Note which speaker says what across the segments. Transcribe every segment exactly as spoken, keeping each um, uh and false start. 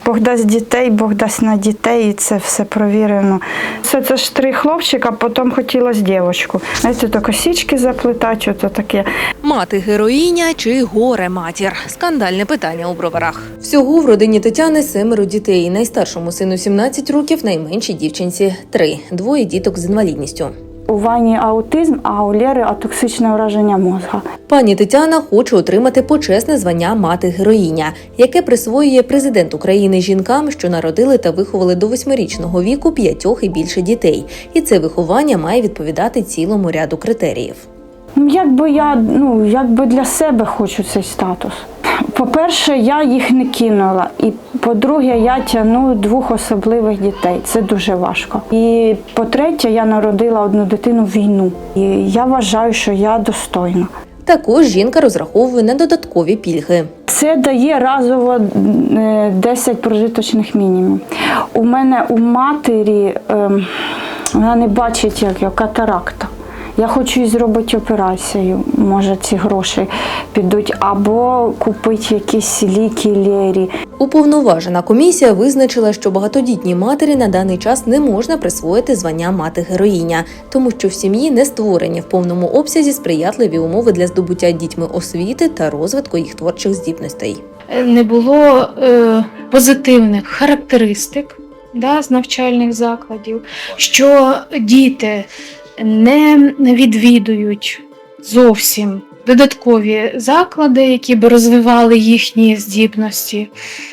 Speaker 1: Бог дасть дітей, Бог дасть на дітей, і це все провірено. Все це ж три хлопчика, а потім хотілося дівчинку. Знаєте, то косички заплетати, ото таке.
Speaker 2: Мати-героїня чи горе-матір? Скандальне питання у Броварах. Всього в родині Тетяни семеро дітей. Найстаршому сину сімнадцять років, найменшій дівчинці – три. Двоє діток з інвалідністю.
Speaker 1: У Вані аутизм, а у Лєри атоксичне ураження мозга.
Speaker 2: Пані Тетяна хоче отримати почесне звання «Мати-героїня», яке присвоює президент України жінкам, що народили та виховали до восьмирічного віку п'ятьох і більше дітей. І це виховання має відповідати цілому ряду критеріїв.
Speaker 1: Ну, якби я, ну, якби для себе хочу цей статус. По-перше, я їх не кинула. І по-друге, я тягну двох особливих дітей. Це дуже важко. І по-третє, я народила одну дитину в війну. І я вважаю, що я достойна.
Speaker 2: Також жінка розраховує на додаткові пільги.
Speaker 1: Це дає разово десять прожиточних мінімумів. У мене у матері, ем, вона не бачить, як я, катаракта. Я хочу їй зробити операцію, може ці гроші підуть, або купити якісь ліки Лєрі.
Speaker 2: Уповноважена комісія визначила, що багатодітній матері на даний час не можна присвоїти звання «Мати-героїня», тому що в сім'ї не створені в повному обсязі сприятливі умови для здобуття дітьми освіти та розвитку їх творчих здібностей.
Speaker 3: Не було е, позитивних характеристик, да, з навчальних закладів, що діти не відвідують зовсім додаткові заклади, які б розвивали їхні здібності.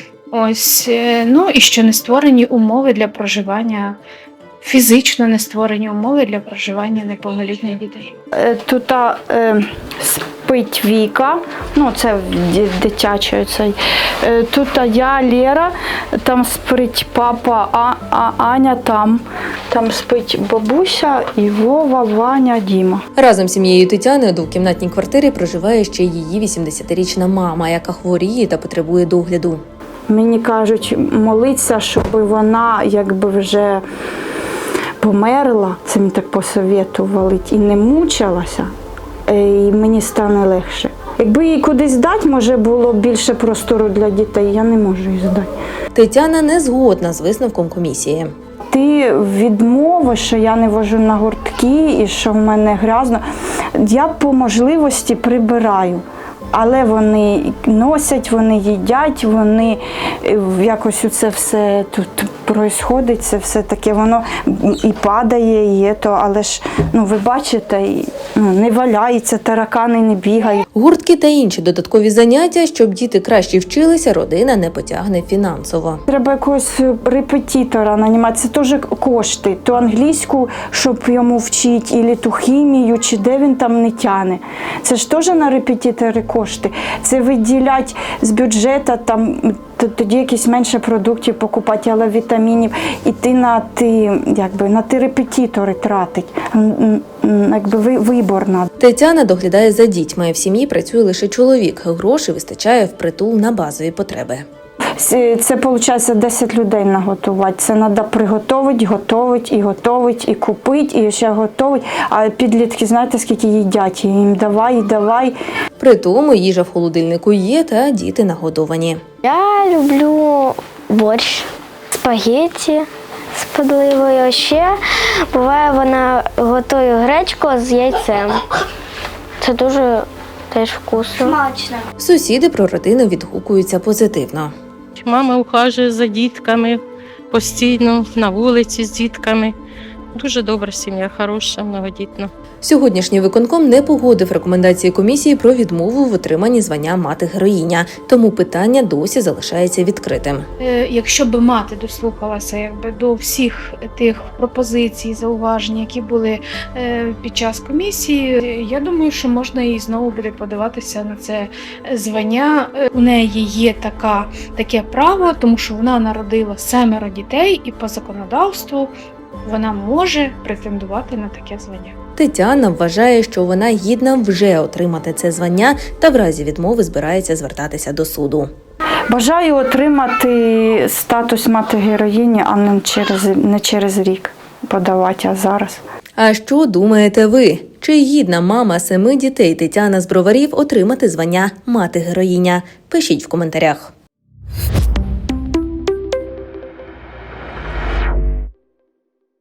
Speaker 3: Ось, ну і що не створені умови для проживання, фізично не створені умови для проживання неповнолітніх дітей.
Speaker 1: Тут е, спить Віка, ну це дитячий цей. Тут я, Лєра, там спить папа, а, а Аня там. Там спить бабуся, і Вова, Ваня, Діма.
Speaker 2: Разом з сім'єю Тетяни у двокімнатній квартирі проживає ще її вісімдесятирічна мама, яка хворіє та потребує догляду.
Speaker 1: Мені кажуть, молиться, щоб вона якби вже померла, це мені так посоветували, і не мучилася, і мені стане легше. Якби її кудись дати, може було більше простору для дітей, я не можу її здати.
Speaker 2: Тетяна не згодна з висновком комісії.
Speaker 1: Ти відмовиш, що я не вожу на гуртки і що в мене грязно. Я по можливості прибираю. Але вони носять, вони їдять, вони якось це все тут происходить, це все таке, воно і падає, і є то, але ж, ну, ви бачите, ну, не валяється, таракани не бігають.
Speaker 2: Гуртки та інші додаткові заняття, щоб діти краще вчилися, родина не потягне фінансово.
Speaker 1: Треба якогось репетитора нанімати, це теж кошти, то англійську, щоб йому вчити, і ту хімію, чи де він там не тяне. Це ж теж на репетитори кошти. Це виділять з бюджету, там, тоді якісь менше продуктів покупати, але вітамінів, і ти на ти, якби, на ті репетитори тратить, якби вибор надо.
Speaker 2: Тетяна доглядає за дітьми, в сім'ї працює лише чоловік, грошей вистачає впритул на базові потреби.
Speaker 1: Це, виходить, десять людей наготувати. Це треба приготувати, готувати, і готувати, і купити, і ще готувати. А підлітки, знаєте, скільки їдять? Їм давай, давай.
Speaker 2: При тому їжа в холодильнику є, та діти нагодовані.
Speaker 4: Я люблю борщ, спагетті з подливою. Ще буває, вона готує гречку з яйцем. Це дуже теж вкусно.
Speaker 5: Смачно.
Speaker 2: Сусіди про родину відгукуються позитивно.
Speaker 6: Мама ухажує за дітками постійно, на вулиці з дітками. Дуже добра сім'я, хороша, многодітна.
Speaker 2: Сьогоднішній виконком не погодив рекомендації комісії про відмову в отриманні звання «Мати-героїня», тому питання досі залишається відкритим.
Speaker 3: Якщо б мати дослухалася якби до всіх тих пропозицій, зауважень, які були під час комісії, я думаю, що можна їй знову буде подаватися на це звання. У неї є така, таке право, тому що вона народила семеро дітей і по законодавству вона може претендувати на таке звання.
Speaker 2: Тетяна вважає, що вона гідна вже отримати це звання та в разі відмови збирається звертатися до суду.
Speaker 1: Бажаю отримати статус мати-героїні, а не через, не через рік подавати, а зараз.
Speaker 2: А що думаєте ви? Чи гідна мама семи дітей Тетяна з Броварів отримати звання «Мати-героїня»? Пишіть в коментарях.